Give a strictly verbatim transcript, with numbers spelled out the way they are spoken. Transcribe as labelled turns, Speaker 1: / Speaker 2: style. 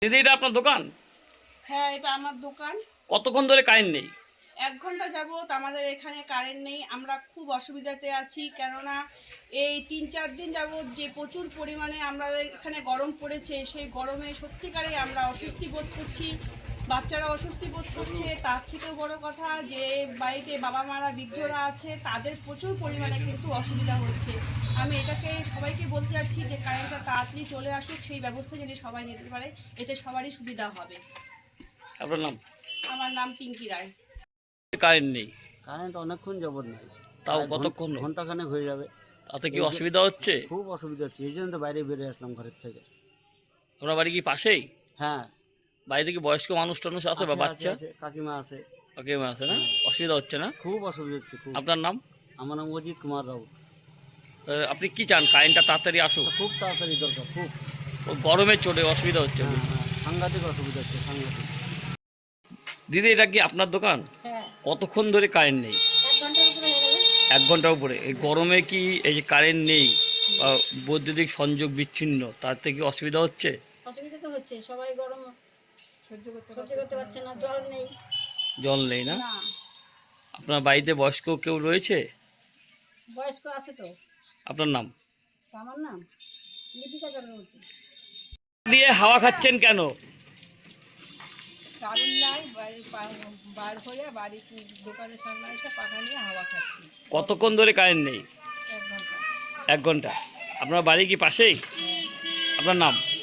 Speaker 1: দিদি, এটা আপনার দোকান?
Speaker 2: হ্যাঁ, এটা আমার দোকান।
Speaker 1: কতক্ষণ ধরে কারেন্ট নেই?
Speaker 2: এক ঘন্টা যাবত আমাদের এখানে কারেন্ট নেই। আমরা খুব অসুবিধাতে আছি, কেননা এই তিন চার দিন যাবত যে প্রচুর পরিমাণে আমাদের এখানে গরম পড়েছে, সেই গরমে সত্যিকারে আমরা অস্বস্তি বোধ করছি। বাচ্চারা অস্বস্তি বোধ করছে। তার থেকেও বড় কথা, যে বাড়িতে বাবা মারা বৃদ্ধরা আছে, তাদের প্রচুর পরিমাণে কিন্তু অসুবিধা হচ্ছে। আমি এটাকে সবাইকে বলতে চাচ্ছি যে কারেন্টটা তাড়াতাড়ি চলে আসুক, সেই ব্যবস্থা যদি সবাই নিতে পারে, এতে সবারই সুবিধা হবে।
Speaker 1: আপনার নাম?
Speaker 2: আমার নাম পিঙ্কি রায়।
Speaker 1: কারেন্ট নেই?
Speaker 3: কারেন্ট অনেকক্ষণ যাবত নাই,
Speaker 1: তাও
Speaker 3: প্রায়
Speaker 1: কতক্ষণ?
Speaker 3: ঘন্টাখানেক হয়ে যাবে।
Speaker 1: তাতে কি
Speaker 3: এই যে-
Speaker 1: অসুবিধা হচ্ছে?
Speaker 3: খুব অসুবিধা হচ্ছে, এই জন্য তো বাইরে বেরিয়ে আসলাম ঘরের থেকে।
Speaker 1: আপনার বাড়ি কি পাশেই?
Speaker 3: হ্যাঁ,
Speaker 1: বাড়িতে কি বয়স্ক মানুষ টানুষ আছে বা
Speaker 3: আছে,
Speaker 1: বাচ্চা?
Speaker 3: আছে, কাকিমা আছে।
Speaker 1: কাকিমা আছে না?
Speaker 3: হ্যাঁ।
Speaker 1: অসুবিধা হচ্ছে না?
Speaker 3: খুব অসুবিধা হচ্ছে খুব।
Speaker 1: আপনার নাম?
Speaker 3: আমার নাম অজিত কুমার রাউত।
Speaker 1: আহ, আপনি কি চান কারেন্টটা তাড়াতাড়ি আসুক?
Speaker 3: খুব তাড়াতাড়ি দরকার, খুব।
Speaker 1: ও গরমে চলে অসুবিধা হচ্ছে।
Speaker 3: হ্যাঁ হ্যাঁ, সাংঘাতিক অসুবিধা হচ্ছে, সাংঘাতিক।
Speaker 1: দিদি, এটা কি আপনার দোকান?
Speaker 2: হ্যাঁ,
Speaker 1: কতক্ষণ ধরে কারেন্ট নেই?
Speaker 2: এক ঘন্টার উপরে হয়ে গেল।
Speaker 1: এক ঘন্টার উপরে। এই গরমে কি এই যে কারেন্ট নেই বা বৈদ্যুতিক সংযোগ বিচ্ছিন্ন, তাতে কি অসুবিধা হচ্ছে?
Speaker 4: অসুবিধা তো হচ্ছে, সবাই গরম সহ্য করতে সহ্য করতে পারছে না, জল নেই।
Speaker 1: জল নেই না?
Speaker 4: না,
Speaker 1: আপনার বাড়িতে বয়স্ক কেউ রয়েছে?
Speaker 4: বয়স্ক আছে তো।
Speaker 1: আপনার নাম?
Speaker 4: তো আমার নাম লিপিকা চক্রবর্তী।
Speaker 1: দিয়ে হাওয়া খাচ্ছেন কেন?
Speaker 4: কারেন্ট নাই, বাড়ির বার হয়ে বাড়ির দোকানের সামনে এসে পাখা নিয়ে হাওয়া খাচ্ছি।
Speaker 1: কতক্ষণ ধরে কারেন্ট নেই?
Speaker 4: এক ঘন্টা।
Speaker 1: এক ঘন্টা। আপনার বাড়ি কি পাশেই? আপনার নাম?